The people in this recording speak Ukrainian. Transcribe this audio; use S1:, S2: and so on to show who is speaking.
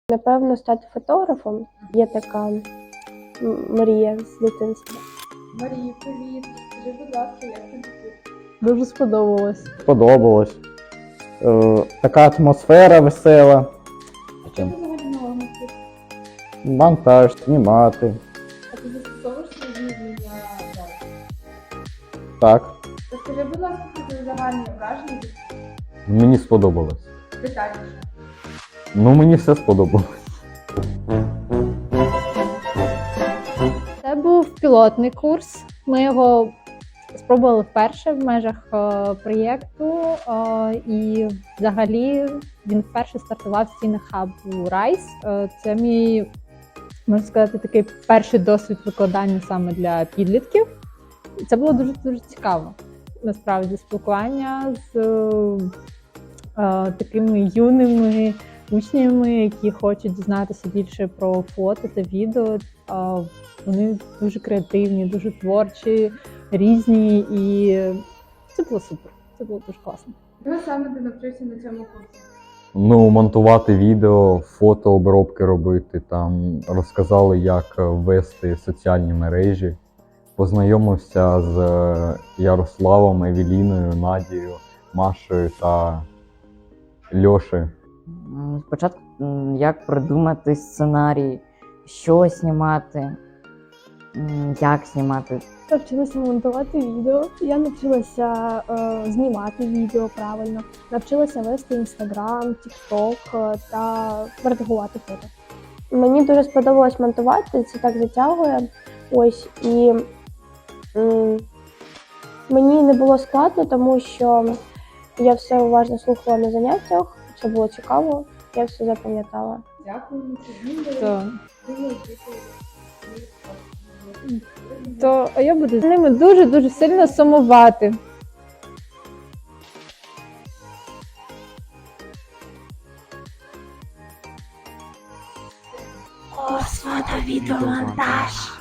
S1: Напевно, стати фотографом. Є така мрія з дитинства.
S2: Марія, привіт. Скажи, будь ласка, як тобі тут?
S3: Дуже сподобалось.
S4: Сподобалось. Така атмосфера весела.
S2: Що ти взагалі нового тут?
S4: Монтаж, знімати.
S2: А ти застосовуєш свої вміння зараз?
S4: Так.
S2: Розкажи, будь ласка, про твої загальні враження
S5: Мені сподобалось.
S2: детальніше.
S5: Ну, мені все сподобалось.
S3: Це був пілотний курс. Ми його спробували вперше в межах проєкту. І взагалі він вперше стартував в стінах хабу Rise. Це мій, можна сказати, такий перший досвід викладання саме для підлітків. І це було дуже цікаво. Насправді, спілкування з такими юними учнями, які хочуть дізнатися більше про фото та відео. Вони дуже креативні, дуже творчі, різні, і це було супер. Це було дуже класно.
S2: Чого саме ти навчився на цьому курсі?
S5: Ну, монтувати відео, фотообробки робити, там розказали, як вести соціальні мережі. Познайомився з Ярославом, Евеліною, Надією, Машею та Льошею.
S6: Спочатку, як придумати сценарій, що знімати, як знімати.
S1: Навчилася монтувати відео. Я навчилася знімати відео правильно. Навчилася вести Instagram, TikTok та редагувати фото. Мені дуже сподобалось монтувати, це так затягує. Ось, і мені не було складно, тому що я все уважно слухала на заняттях, це було цікаво, я все запам'ятала.
S2: Дякую тобі.
S3: А я буду з ними дуже сильно сумувати.
S1: Фото, відеомонтаж.